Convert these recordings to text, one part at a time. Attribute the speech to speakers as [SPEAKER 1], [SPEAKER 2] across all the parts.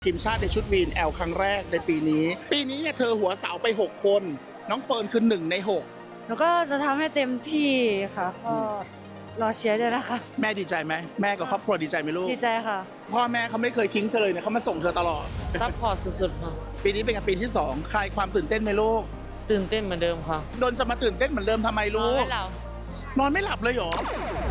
[SPEAKER 1] ทีมชาติในชุด VNL ครั้งแรกในปีนี้เนี่ยเธอหัวเสาไป6คนน้องเฟิร์นคือ1ใน6
[SPEAKER 2] แล้วก็จะทำให้เต็มที่ค่ะก็รอเชียร์ด้วยนะคะ
[SPEAKER 1] แม่ดีใจไหมแม่กับครอบครัวดีใจไหมลูก
[SPEAKER 2] ดีใจค่ะ
[SPEAKER 1] พ่อแม่เขาไม่เคยทิ้งเธอเลยเนี่ยเขามาส่งเธอตลอด
[SPEAKER 3] ซัพพอร์ตสุดๆค่ะ
[SPEAKER 1] ปีนี้เป็นปีที่2คลายความตื่นเต้นไหมลูก
[SPEAKER 3] ตื่นเต้นเหมือนเดิมค่ะ
[SPEAKER 1] โดนจะมาตื่นเต้นเหมือนเดิมทำไมลูกนอนไม่หลับเลยเหรอ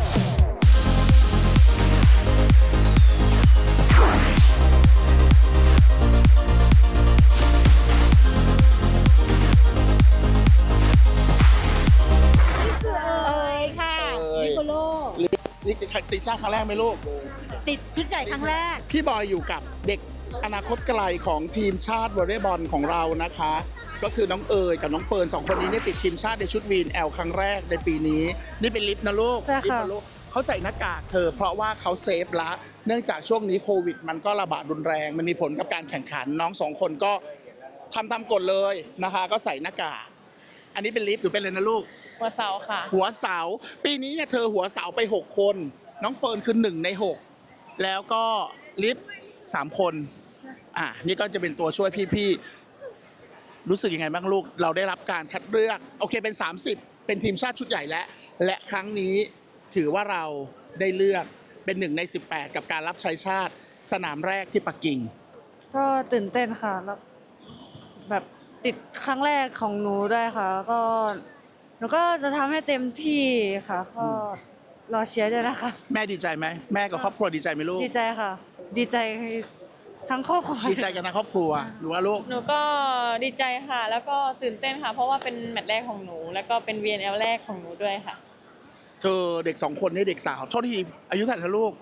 [SPEAKER 1] นี่ติดชาติครั้งแรกไหมลูก
[SPEAKER 4] ติดชุดใหญ่ครั้งแรก
[SPEAKER 1] พี่บอยอยู่กับเด็กอนาคตไกลของทีมชาติวอลเลย์บอลของเรานะคะก็คือน้องเอ๋ยกับน้องเฟิร์น2คนนี้เนี่ยติดทีมชาติในชุด VNL ครั้งแรกในปีนี้นี่เป็นลิฟต์นะลูกลิฟต์นะลูกเขาใส่หน้ากากเธอเพราะว่าเขาเซฟละเนื่องจากช่วงนี้โควิดมันก็ระบาดรุนแรงมันมีผลกับการแข่งขันน้อง2คนก็ทำตามกฎเลยนะคะก็ใส่หน้ากากอันนี้เป็นลิฟต์หรือเป็นอะไรนะลูก
[SPEAKER 3] หัวเสาค่ะ
[SPEAKER 1] หัวเสาปีนี้เนี่ยเธอหัวเสาไป6คนน้องเฟิร์นคือ1ใน6แล้วก็ลิฟต์3คนนี่ก็จะเป็นตัวช่วยพี่ๆรู้สึกยังไงบ้างลูกเราได้รับการคัดเลือกโอเคเป็น30เป็นทีมชาติชุดใหญ่และครั้งนี้ถือว่าเราได้เลือกเป็น1ใน18กับการรับใช้ชาติสนามแรกที่ปักกิ่ง
[SPEAKER 2] ก็ตื่นเต้นค่ะแล้วแบบติดครั้งแรกของหนูด้วยค่ะก็หนูก็จะทำให้เต็มที่ค่ะก็รอเชียร์ด้วยนะคะ
[SPEAKER 1] แม่ดีใจไหมแม่กับครอบครัวดีใจไหมลูก
[SPEAKER 2] ดีใจค่ะดีใจทั้งครอบครัว
[SPEAKER 1] ดีใจกันทั้งครอบครัวหรือว่าลูก
[SPEAKER 3] หนูก็ดีใจค่ะแล้วก็ตื่นเต้นค่ะเพราะว่าเป็นแมตช์แรกของหนูแล้วก็เป็น VNL แรกของหนูด้วยค่ะ
[SPEAKER 1] เธอเด็ก2คนนี่เด็กสาวโทษทีอายุเท่าไหร่นะลูก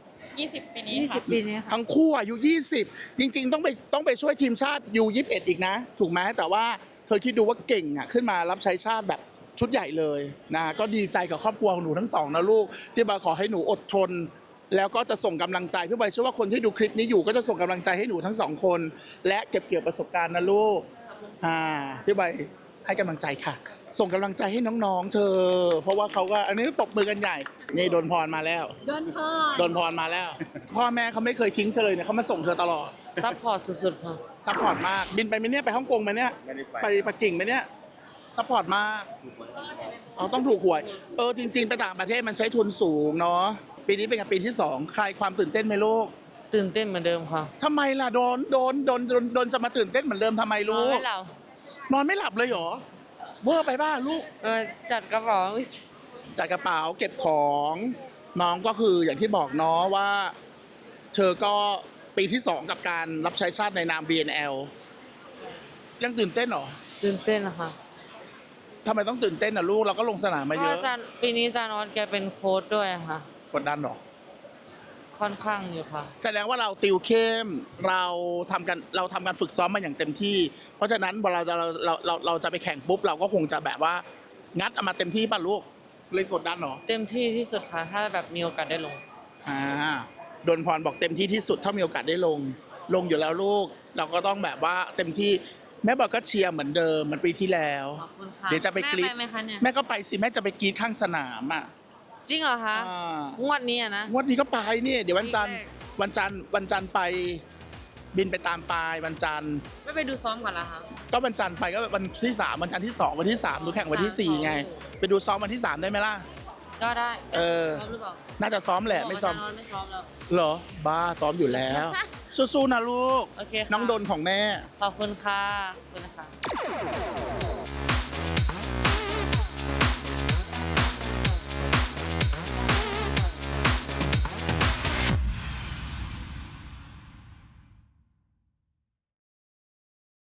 [SPEAKER 3] 20ปีนี้
[SPEAKER 2] ค่ะ20ปีนี้ค่ะ
[SPEAKER 1] ทั้งคู่อายุ20จริงๆต้องไปช่วยทีมชาติU21อีกนะถูกไหมแต่ว่าเธอคิดดูว่าเก่งขึ้นมารับใช้ชาติแบบชุดใหญ่เลยนะก็ดีใจกับครอบครัวของหนูทั้งสองนะลูกพี่บอยขอให้หนูอดทนแล้วก็จะส่งกำลังใจพี่บอยเชื่อว่าคนที่ดูคลิปนี้อยู่ก็จะส่งกำลังใจให้หนูทั้งสองคนและเก็บเกี่ยวประสบการณ์นะลูกพี่บอยให้กำลังใจค่ะส่งกำลังใจให้น้องๆเธอเพราะว่าเขาก็อันนี้ปรบมือกันใหญ่นี่โดนพรมาแล้วโดนพรมาแล้วพ่อแม่เขาไม่เคยทิ้งเธอเลยเนี่ยเขามาส่งเธอตลอด
[SPEAKER 3] ซัพพอร์ตสุดๆค่ะ
[SPEAKER 1] ซัพพอร์ตมากบินไปไหมเนี่ยไปฮ่องกงไหมเนี่ยไปปักกิ่งไหมเนี่ยซัพพอร์ตมากต้องถูกหวยจริงๆไปต่างประเทศมันใช้ทุนสูงเนาะปีนี้เป็นปีที่2คลายความตื่นเต้นไหมลูก
[SPEAKER 3] ตื่นเต้นเหมือนเดิมค่ะ
[SPEAKER 1] ทำไมล่ะโดนจะมาตื่นเต้นเหมือนเดิมทำไมลูกนอนไม่หลับเลยเหรอเวอร์ไปบ้าลูก
[SPEAKER 3] จัดกระเป๋า
[SPEAKER 1] เก็บของน้องก็คืออย่างที่บอกเนาะว่าเธอก็ปีที่2กับการรับใช้ชาติในนาม VNL ยังตื่นเต้นเหรอ
[SPEAKER 3] ตื่นเต้นนะคะ
[SPEAKER 1] ทำไมต้องตื่นเต้นอ่ะลูกเราก็ลงสนามมาเยอะ
[SPEAKER 3] ปีนี้จานอสแกเป็นโค้ชด้วยค่ะ
[SPEAKER 1] กดดันหรอ
[SPEAKER 3] ค่อนข้างอยู่ค่ะ
[SPEAKER 1] แสดงว่าเราติวเข้มเราทำการฝึกซ้อมมาอย่างเต็มที่เพราะฉะนั้นพอเราจะไปแข่งปุ๊บเราก็คงจะแบบว่างัดเอามาเต็มที่ป่ะลูกเลยกดดันหรอ
[SPEAKER 3] เต็มที่ที่สุดค่ะถ้าแบบมีโอกาสได้ลง
[SPEAKER 1] โดนพรบอกเต็มที่ที่สุดถ้ามีโอกาสได้ลงอยู่แล้วลูกเราก็ต้องแบบว่าเต็มที่แม่บอกก็เชียร์เหมือนเดิมเหมือนปีที่แล้วเดี๋ยวจะไปกรี๊ดแม่ก็ไปสิแม่จะไปกรี๊ดข้างสนาม
[SPEAKER 3] จริงเหรอคะงวดนี้นะ
[SPEAKER 1] งวดนี้ก็ไปเนี่ยเดี๋ยววันจันทร์ไปบินไปตามปลายวันจันทร์
[SPEAKER 3] ไม่ไปดูซ้อมก่อนละคะ
[SPEAKER 1] ก็วันจันทร์ไปก็วันที่3วันจันทร์ที่2วันที่3ดูแข่งวันที่4ไงไปดูซ้อมวันที่3ได้ไหมล่ะ
[SPEAKER 3] ก็ได้
[SPEAKER 1] ซ้อมหรือเปล่าน่าจะซ้อมแหละไม่ซ้อมแล้วเหรอบ้าซ้อมอยู่แล้วสู้ๆนะลูกน้องดนของแม่
[SPEAKER 3] ขอบคุณค่ะขอบคุณนะคะ